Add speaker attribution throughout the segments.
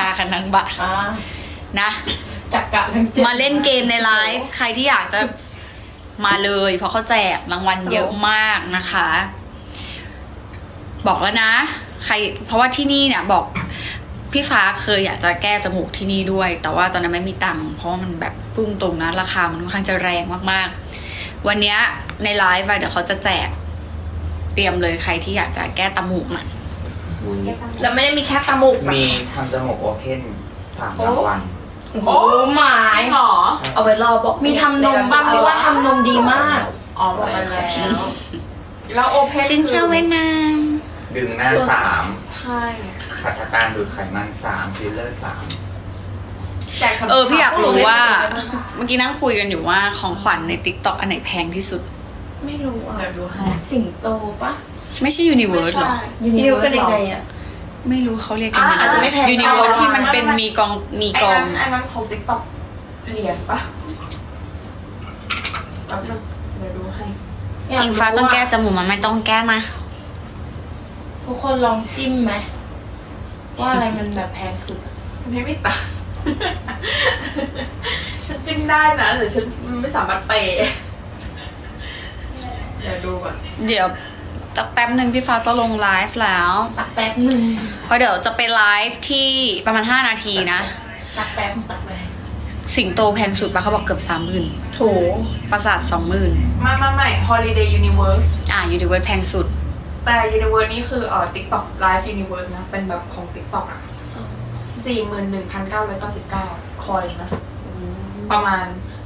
Speaker 1: ตาคันนังบะนะ
Speaker 2: จักกะทั้งเจ็ด
Speaker 1: มาเล่นเกมในไลฟ์ใครที่อยากจะมาเลยเพราะเขาแจกรางวัลเยอะมากนะคะ บอกแล้วนะใครเพราะว่าที่นี่เนี่ยบอกพี่ฟ้าเคยอยากจะแก้จมูกที่นี่ด้วย แต่ว่าตอนนั้นไม่มีตังค์เพราะว่ามันแบบพุ่งตรงนะราคามันค่อนข้างจะแรงมากๆวันนี้ในไลฟ์เดี๋ยวเขาจะแจกเตรียมเลยใครที่อยากจะแก้จมูกน่ะ
Speaker 2: แล้วไม่ได้มีแค่ตามูก
Speaker 3: มีทำจมูกโอเพน3 รางวัล
Speaker 2: โอ้หมาย
Speaker 4: หรอ
Speaker 2: เอาไว้รอบอกมีทำนมบ้างเพราะว่าทำนมดีมาก
Speaker 4: อ๋อบอกไปแล้วแล้วโอเพน
Speaker 1: สินเชื่อเวียดนาม
Speaker 3: ดึงหน้า
Speaker 4: ใช่
Speaker 3: 3ขัดการดูดไขมัน3ฟิลเลอร์3
Speaker 4: แจกฉ่ำๆ
Speaker 1: พี่อยากรู้ว่าเมื่อกี้นั่งคุยกันอยู่ว่าของขวัญใน TikTok อันไหนแพงที่สุด
Speaker 2: ไม่รู้อ่ะ
Speaker 4: เดี๋ยวดูให้
Speaker 2: สิงโตปะ
Speaker 1: ไม่ใช่ Universe หรอ
Speaker 2: นิวเป็นยังไงอ่ะ
Speaker 1: ไม่รู้เขาเรียกกันยังไง
Speaker 2: อาจจะไม่แพง
Speaker 1: Universe ที่มันเป็นมีกอง
Speaker 4: ไอ้นั้นของติ๊กต็อกเหรียญปะแป๊บนึงเดี๋ยวดูให้
Speaker 1: อิงฟ้าต้องแก้จมูกมันไม่ต้องแก้นะ
Speaker 2: ทุกคนลองจิ้มไหมว่าอะไรมันแบบแพงสุดอะ
Speaker 4: ไม่มีตังค์ ฉันจิ้มได้นะแต่ฉันไม่สามารถเปย์เดี๋ยวดูก่อน
Speaker 1: เดี๋ยวตักแป๊บหนึ่งพี่ฟ้าจะลงไลฟ์แล้ว
Speaker 2: ตักแป๊บหนึ่ง
Speaker 1: เพราะเดี๋ยวจะไปไลฟ์ที่ประมาณ5 นาทีนะ
Speaker 2: ตักแป๊บตักไป
Speaker 1: สิงโตแพงสุดปะเขาบอกเกือบ 30,000
Speaker 2: โถ
Speaker 1: ปราสาท 20,000
Speaker 4: มาใหม่ Holiday Universe
Speaker 1: Universe แพงสุด
Speaker 4: แต่ Universe นี่คือTikTok Live Universe นะ เป็นแบบของ TikTok อ่ะ 41,999 คอยนะ ประมาณ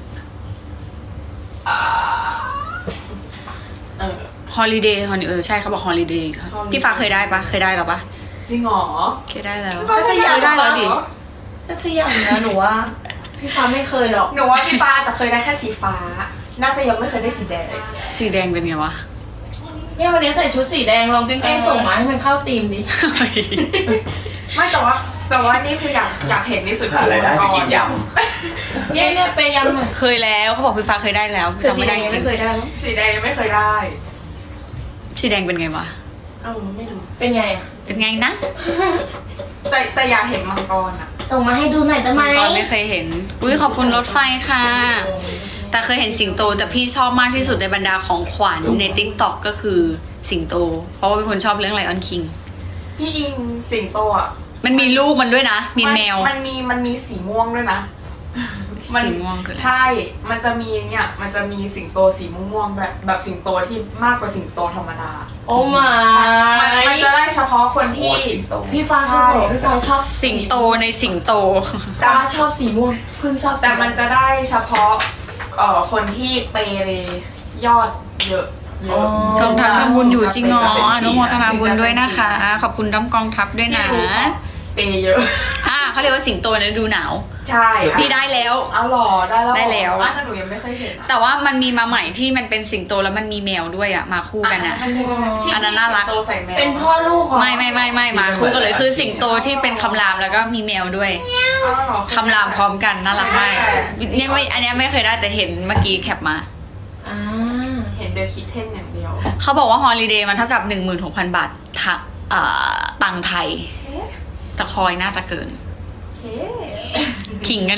Speaker 1: Holiday ใช่เขาบอก Holiday พี่ฟ้าเคยได้ปะเคยได้หรอปะ
Speaker 4: จริงเหรอ
Speaker 1: เคยได้แล้ว
Speaker 4: น่าจะยัง
Speaker 1: ได้แล้วดิ
Speaker 5: น่าจะอย่างนะหนูว่า
Speaker 2: พี่ฟ้าไม่เคยหรอก
Speaker 4: หนูว่าพี่ฟ้าอาจจะเคยได้แค่สีฟ้า น่าจะยังไม่เคยได้สีแดง
Speaker 1: สีแดงเป็นไงวะ
Speaker 2: เนี่ยวันนี้ใส่ชุดสีแดงลองแกล้งๆส่งมาให้มันเข้าธีมดิ
Speaker 4: ไม่แต่ว่านี่คืออยากเห็นที่สุด
Speaker 3: หาอะไรายได้ไปกินย
Speaker 2: เนี่ยไปยำหน่อย
Speaker 1: เคยแล้วเขาบอกพี่ฟ้าเคยได้แล้ว
Speaker 5: คือ
Speaker 1: จำ
Speaker 5: สี
Speaker 1: ไม่
Speaker 5: แด
Speaker 1: ได้
Speaker 5: ง
Speaker 1: จ
Speaker 5: ยัง
Speaker 1: ริ
Speaker 5: ไม่
Speaker 1: ง
Speaker 5: เคยได้มั้ง
Speaker 4: สีแดงยังไม่เคยได้
Speaker 1: สีแดงเป็นไงวะ
Speaker 4: ไม่รู้
Speaker 2: เป็นไงอะ
Speaker 1: เป็นไงนะ
Speaker 4: แต่อยากเห็นมังกรอ่ะ
Speaker 2: ส่งมาให้ดูหน่อยได้ไหม
Speaker 1: ตอนไม่เคยเห็นอุ้ยขอบคุณรถไฟค่ะ แต่เคยเห็นสิงโตแต่พี่ชอบมากที่สุดในบรรดาของขวัญใน TikTok ก็คือสิงโต เพราะว่าเป็นคนชอบเรื่องไลออนคิง
Speaker 4: พี่อิงสิงโตอ่ะ
Speaker 1: มันมีลูกมันด้วยนะ มีแมว
Speaker 4: มันมีสีม่วงด้วยนะ
Speaker 1: สีม่วงคืออะไร
Speaker 4: ใช่ มันจะมีมันจะมีสิงโตสีม่วงๆแบบสิงโตที่มากกว่าสิงโตธรรมดา
Speaker 2: โอ้มา
Speaker 4: มันจะได้เฉพาะคน
Speaker 3: ำโค
Speaker 4: ที่
Speaker 3: ตรสิงโต
Speaker 2: พี่ฟ้าเขาบอกพี่ฟ้าชอบ
Speaker 1: สิงโตในสิงโต
Speaker 2: ฟ้าชอบสีม่วงเพิ่งชอบสี
Speaker 4: แต่มันจะได้เฉพาะคนที่เปย์ยอดเยอะ
Speaker 1: กองทัพทำบุญอยู่จริงเหรออนุโมทนาบุญด้วยนะคะ ขอบคุณด้อมกองทัพด้วยนะ
Speaker 4: เปย์เยอะ
Speaker 1: เขาเรียกว่าสิงโตในฤดูหนาว
Speaker 4: ใช่
Speaker 1: พี่ได้แล้ว
Speaker 4: เอาหรอได้แล้ว
Speaker 1: ได้แล้ว
Speaker 4: แต่หนูยังไม่เคยเห็น
Speaker 1: แต่ว่ามันมีมาใหม่ที่มันเป็นสิงโตแล้วมันมีแมวด้วยอะมาคู่กันอะ อันนั้นน่ารัก
Speaker 4: สิงโตใส่แมว
Speaker 2: เป็นพ่อลูกของ
Speaker 1: ไม่มาคู่กันเลยคือสิงโตที่เป็นคำรามแล้วก็มีแมวด้วย
Speaker 4: เอาหรอ
Speaker 1: คำรามพร้อมกันน่ารักมากเนี่ยไม่อันเนี้ยไม่เคยได้แต่เห็นเมื่อกี้แคปมา
Speaker 2: อ่า
Speaker 4: เห็นเดอะคิทเทนอย่างเดียว
Speaker 1: เขาบอกว่าฮอลิเดย์มันเท่ากับ 16,000 บาทตังค์ไทย แต่คอยน่าจะเกิน ขิงกัน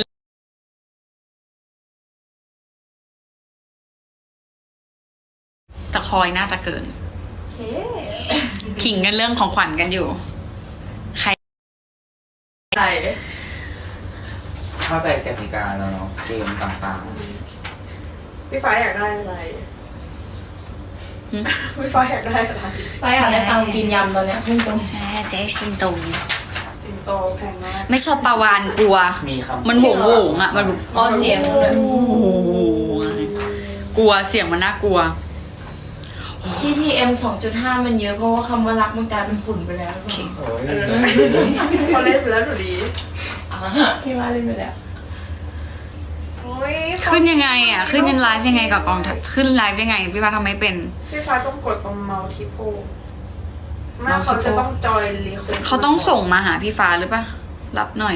Speaker 1: แต่คอยน่าจะเกิน ขิงกันเรื่องของขวัญกันอยู่ ใคร
Speaker 4: ใช่
Speaker 3: เข้าใจกติกาแล้วเนาะเกมต่าง
Speaker 4: พี่ฟ้าอยากได้อะไร
Speaker 1: หืม
Speaker 4: พี่ฟ้าอยากได้อะไร
Speaker 2: ฟ้าอยากได้ตังค์กินยำตอนเนี้ยพุ่งตรง
Speaker 1: เจ๊สิงโต
Speaker 4: สิงโตแพงมาก
Speaker 1: ไม่ชอบปลาวานกลัว
Speaker 3: ๆ มีคำ
Speaker 1: มันโหวงอ่ะ มันแบบ
Speaker 2: อ๋อเสียงเลย
Speaker 1: กลัวเสียงมันน่ากลัว
Speaker 2: ที่ PM 2.5 มันเยอะเพราะว่าคำว่ารักมันกลายเป็นฝุ่นไปแล้ว
Speaker 3: โอ้ย
Speaker 4: เขาเล่นไปแล้วหนูดี
Speaker 2: พี่ว่าเล่นไปแล้ว
Speaker 4: โอ้ย
Speaker 1: ขึ้นยังไงอ่ะ ขึ้นยันไลฟ์ยังไงกับกองทัพขึ้นไลฟ์ยังไง พี่ฟ้าทำไม่เป็น
Speaker 4: พี่ฟ้าต้องกดตรงเมาส์ทิโพไม่เขาจะต้องจอยรีเควส
Speaker 1: เขาต้องส่งมาหาพี่ฟ้าหรือปะรับหน่อย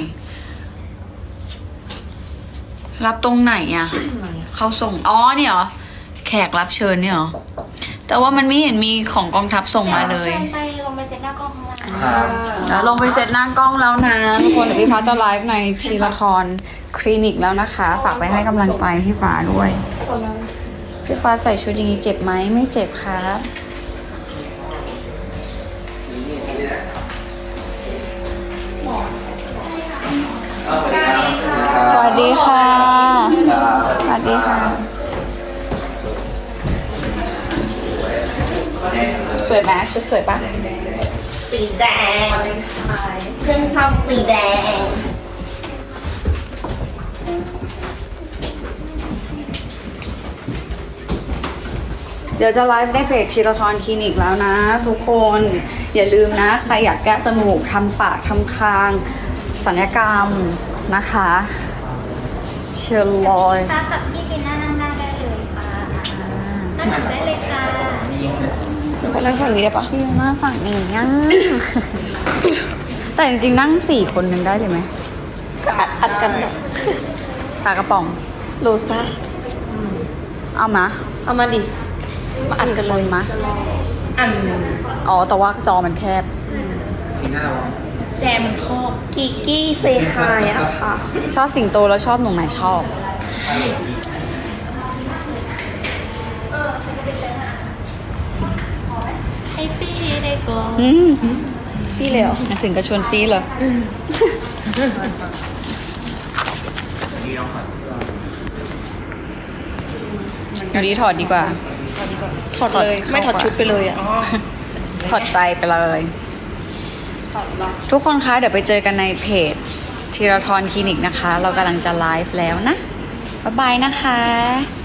Speaker 1: รับตรงไหนอ่ะ เขาส่ง อ๋อเนี่ยเหรอ แขกรับเชิญเนี่ยเหรอ แต่ว่ามันไม่เห็นมีของกองทัพส่งมาเลย
Speaker 5: ไปลงไปเซ็ตหน้ากล้องข้างล่าง
Speaker 3: ครับ
Speaker 1: แล้วลงไปเซตหน้ากล้องแล้วนะทุกคนเดี๋ยวพี่ฟ้าจะไลฟ์ในทีละทรคลินิกแล้วนะคะ ฝากไปให้กำลังใจพี่ฟ้าด้วย พี่ฟ้าใส่ชุดอย่างนี้เจ็บไหมไม่เจ็บครับ สวัสดีค่ะ สวัสดีค่ะ สวยไหมชุดสวยปะ
Speaker 5: สีแดงเพื่อนชอบสีแดง
Speaker 1: เดี๋ยวจะไลฟ์ในเพจทีละทรคลินิกแล้วนะ ทุกคนอย่าลืมนะ ใครอยากแก้จมูกทำปากทำคางศัลยกรรมนะคะ เชิญเลย
Speaker 6: ค่ะกับพี่จีน่านั่งได้เลยค่ะนั่งหลังได้เลยค่ะ
Speaker 1: คนนั่งฝั่งนี้ได้ปะพี่นั่งฝั่งนี้อ่ะ แต่จริงๆนั่ง4 คนยังได้เลยไหม
Speaker 5: ก็อัดกันแบบ
Speaker 1: ปากกระป๋อง
Speaker 5: โลซ่า
Speaker 1: เอามา
Speaker 5: เอามาดิ มาอัดกันเลย
Speaker 1: มา
Speaker 2: อัน
Speaker 1: อ๋อแต่ว่าจอมันแคบ
Speaker 3: ทีน่าระวัง
Speaker 2: แจมันครอบ
Speaker 5: กิกกี้เซฮายอะค่ะ
Speaker 1: ชอบสิงโตแล้วชอบหนูไหนชอบ
Speaker 2: ให้พี่ได้ก่อน
Speaker 1: อืม
Speaker 5: พี่เลยเหรอ
Speaker 1: ถึงกระชวนปีเลยเดี๋ยวนี้ถอดดีกว่า
Speaker 5: ถอดเลย ไม่ถอดชุดไปเลยอะ
Speaker 1: ถอดใจไปเลย ทุกคนคะเดี๋ยวไปเจอกันในเพจทีราทรคลินิกนะคะ เรากำลังจะไลฟ์แล้วนะ บ๊ายบายนะคะ